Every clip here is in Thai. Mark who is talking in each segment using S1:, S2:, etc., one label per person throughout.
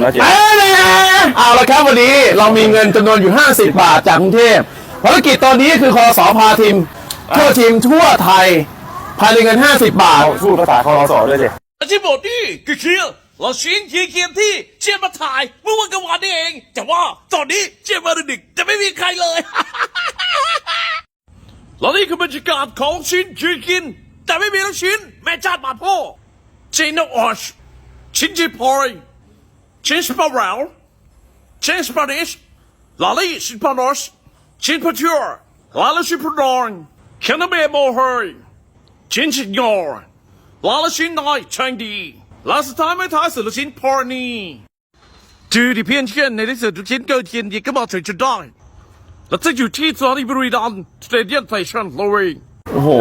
S1: เอาละครับวันนี้เรามีเงินจำนวนอยู่50 บาทจากกรุงเทพภารกิจตอนนี้คือคสพาทีมทั่วไทยภายในเงิน50 บาท
S2: พูดภาษาคอรสด้วยสิ
S3: ที่บอกนี่คือเคียร์เราชิ้นเคียร์ที่เชียร์มาถ่ายเมื่อวันกลางวันนี่เองแต่ว่าตอนนี้เชียร์มาดึกจะไม่มีใครเลย แล้วนี่คือบรรยากาศของชิ้นเคียร์แต่ไม่มีลูกชิ้นแม่ชาติบาดพ่อชิ้นนอชชิ้นจีพอยชิ้นสปาร์เรลชิ้นสปานิชลาลี่ชิ้นพานอสชิ้นพัชเชอร์ลาลี่ชิ้นพดอนแคนาเบโมเฮย์ชิ้นชิงอร์ลาลี่ชิ้นน้อยช่างดีและสุดท้ายไม่ท้ายสุดลูกชิ้นพอร์นีจืดที่เพี้ยนเชียนในที่สุดลูกชิ้นเกิดเทียนดีก็มาถึงจุดได้และจะอยู่ที่สถานีบริดอนสเตเดียมไทชันโลเวย์
S1: โอ้โห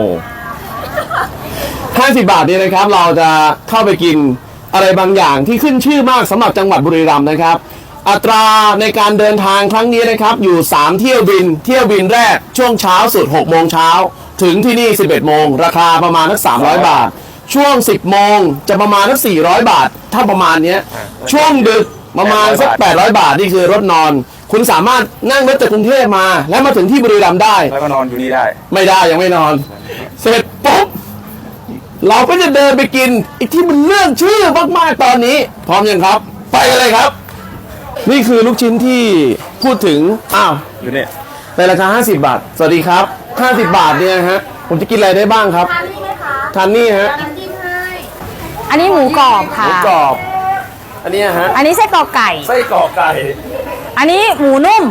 S1: 50 บาทนี่นะครับเราจะเข้าไปกินอะไรบางอย่างที่ขึ้นชื่อมากสำหรับจังหวัดบุรีรัมย์นะครับอัตราในการเดินทางครั้งนี้นะครับอยู่3เที่ยวบินแรกช่วงเช้าสุด6 โมงเช้าถึงที่นี่11 โมงราคาประมาณสัก300 บาทช่วง10 โมงจะประมาณสัก400 บาทถ้าประมาณนี้ช่วงดึกประมาณสัก800 บาทนี่คือรถนอนคุณสามารถนั่งรถจากกรุงเทพมาและมาถึงที่บุรีรัมย์ได้
S2: แล้วก็นอนอยู่นี่ได้
S1: ไม่ได้ยังไม่นอนเสร็จปุ๊บเราก็จะเดินไปกินอีกที่มันเรื่องชื่อมากๆตอนนี้พร้อมยังครับไปกันเลยครับนี่คือลูกชิ้นที่พูดถึง
S2: อยู่นี่
S1: ในราคา50 บาทสวัสดีครับ50 บาทเนี่ยฮะผมจะกินอะไรได้บ้างครับ
S4: ทานนี่ไหมคะ
S1: ทานนี่ฮะ
S4: น้ำจิ้มให้
S5: อันนี้หมูกรอบค่ะ
S1: หมูกรอบอันนี้ฮะ
S5: อันนี้ไส้กรอกไก่
S1: ไส้กรอกไก่
S5: อันนี้หมูนุ่ม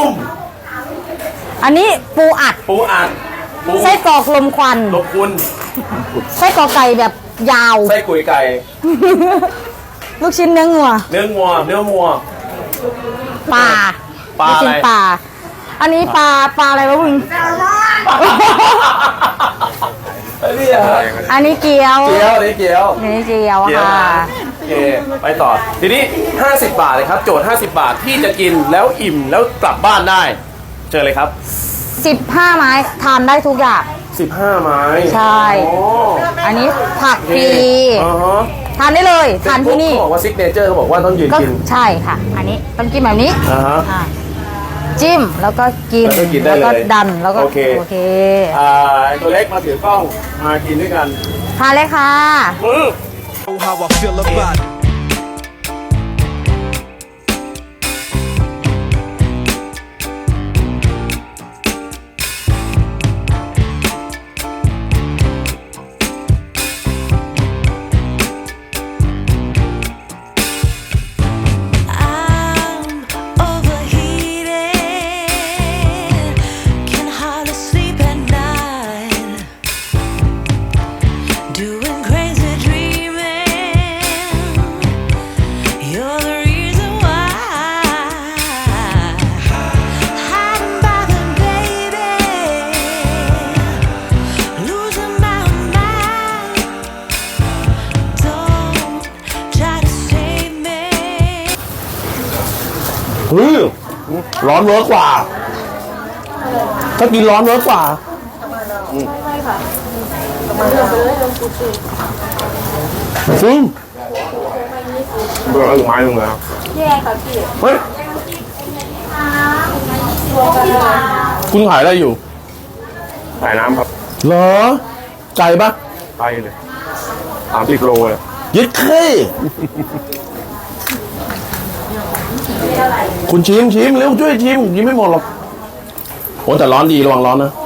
S5: อันนี้ปูอัดไส้กรอกลมควันไส้กรอกไก่แบบยาว
S1: ไส้กุยไก่
S5: ลูกชิ้นเนื้องัวปลา
S1: อะไร
S5: ปลาอันนี้ปลาอะไรวะมึงอันนี้เกี๊ยว
S1: อันนี้เกี๊ยว
S5: ค่ะ
S1: โอเคไปต่อทีนี้50 บาทเลยครับโจทย์50 บาทที่จะกินแล้วอิ่มแล้วกลับบ้านได้เจอเลยครับ
S5: 15 ไม้ทานได้ทุกอย่าง
S1: 15 ไม้
S5: ใช่อันนี้ผักฟรีทานได้เลยทานที่นี่
S1: เขาบอกว่าซิกเนเจอร์เขาบอกว่าต้องยืนกิน
S5: ใช่ค่ะอันนี้ต้องกินแบบนี้จิ้มแล้วก็กิน
S1: แล้วก็
S5: ดันแล้วก็โอเค
S1: ตัวเล็กมาถือกล้องมากินด้วยกัน
S5: ทานเลยค่ะ
S1: ร้อนเวิร์กกว่าถ้ากินร้อนเวิร์กกว่าซึ่ง
S2: เบอร์อะไรไม้ลงแล้ว
S4: แย่ค่ะพี่
S1: เฮ้ยคุณขายอะไรอยู่
S2: ขายน้ำครับ
S1: เหรอไก่ปะ
S2: ไปเลย30 โลเลย
S1: ยึดเข้คุณชิมเร็วช่วยชิมยิ้มไม่หมดหรอกโอ้แต่ร้อนดีระวังร้อนนะ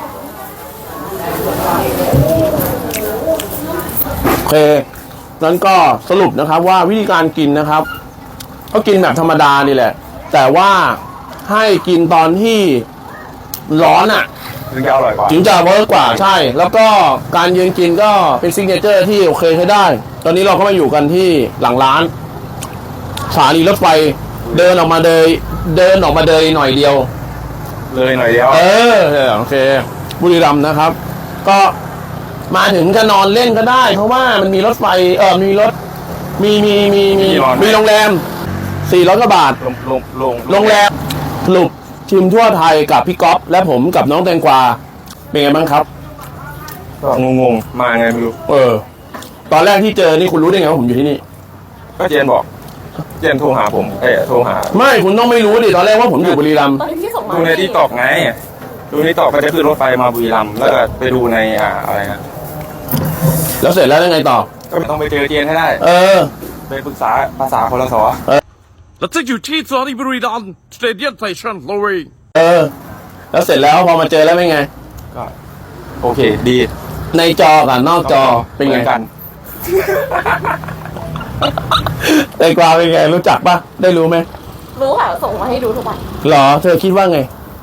S1: โอเคนั้นก็สรุปนะครับว่าวิธีการกินนะครับก็กินแบบธรรมดานี่แหละแต่ว่าให้กินตอนที่ร้อน
S2: ถึงจะอร่อยกว่า
S1: ถึงจะเวิร์กกว่าใช่แล้วก็การยืนกินก็เป็นซิกเนเจอร์ที่โอเคใช้ได้ตอนนี้เราก็มาอยู่กันที่หลังร้านสถานีรถไฟเดินออกมาเดยหน่อยเดียวโอเคบุรีรัมย์นะครับก็มาถึงจะนอนเล่นก็ได้เพราะว่ามันมีรถไฟมีรถมีโรงแรม400 กว่าบาทโรงแรมสรุปชิมทั่วไทยกับพี่ก๊อฟและผมกับน้องแตงกวาเป็นไงบ้างครับ
S2: งงมาไงไม่รู้
S1: ตอนแรกที่เจอนี่คุณรู้ได้ไงว่าผมอยู่ที่นี่
S2: ก็เจนบอกเจนโทรหาผมโทรหา
S1: ไม่คุณต้องไม่รู้ดิตอนแรกว่าผมอยู่บุรีรัมย์
S5: ตอนที่ส่งมา
S2: ดูในที่ตอกไงดูในตอกก็จะขึ้นรถไฟมาบุรีรัมย์แล้วก็ไปดูในอะไรนะ
S1: แล้วเสร็จแล้วยังไงต่อ
S2: ก็ต้องไปเจอเจนให้ได้
S1: เออ
S2: ไปปรึกษาภาษาพลส
S3: แล้วจะอยู่ที่สถานีบุรีรัมย์สเตเดียมสเตชันเลย
S1: เออ แล้วเสร็จแล้วพอมาเจอแล้วเป็นไง
S2: ก็โอเคดี
S1: ในจอกับนอกจอเป็นไง
S2: หมือกัน
S1: ไอ้กวางเป็นไงรู้จักปะได้รู้ไหม
S5: รู้ค่ะส่งมาให้ดูทุกวัน
S1: หรอเธอคิดว่าไง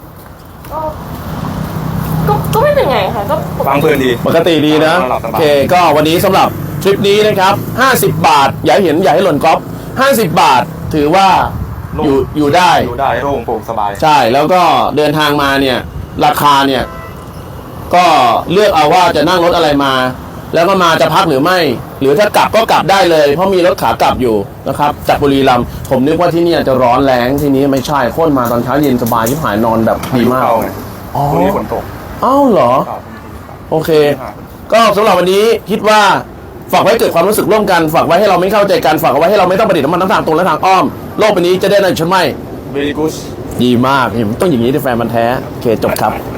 S5: ก็ไม่เป็นไงค่ะก็
S2: ฟังเพลินดี
S1: ปกติดีนะ
S2: หลับสบาย
S1: โอเคก็วันนี้สำหรับทริปนี้นะครับ50 บาทอย่าให้เห็นอย่าให้หล่นก๊อฟ50 บาทถือว่าอยู่ได้
S2: อยู่ได้โล่งโปร่งสบาย
S1: ใช่แล้วก็เดินทางมาเนี่ยราคาเนี่ยก็เลือกเอาว่าจะนั่งรถอะไรมา แล้วก็มาจะพักหรือไม่ หรือถ้ากลับก็กลับได้เลย เพราะมีรถขากลับอยู่นะครับจากบุรีรัมย์ผมนึกว่าที่เนี่ยจะร้อนแรงที่นี้ไม่ใช่โค่นมาตอนเช้าเย็นสบายที่หายนอนแบบดีมาก
S2: เข้าไง
S1: อ๋อ
S2: พรุ่งนี้ฝนตก
S1: อ้าวเหรอ
S2: ครับ
S1: โอเค ก็สำหรับวันนี้คิดว่าฝากไว้เกิดความรู้สึกร่วมกัน ฝากไว้ให้เราไม่เข้าใจกันฝากเอาไว้ให้เราไม่ต้องประดิษฐ์น้ำมันทั้งทางตรงและทางอ้อมโลกใบนี้จะได้ในชั้นไม่
S2: very good
S1: ดีมากเห็นต้องอย่างนี้ที่แฟนมันแท้โอเคจบครับ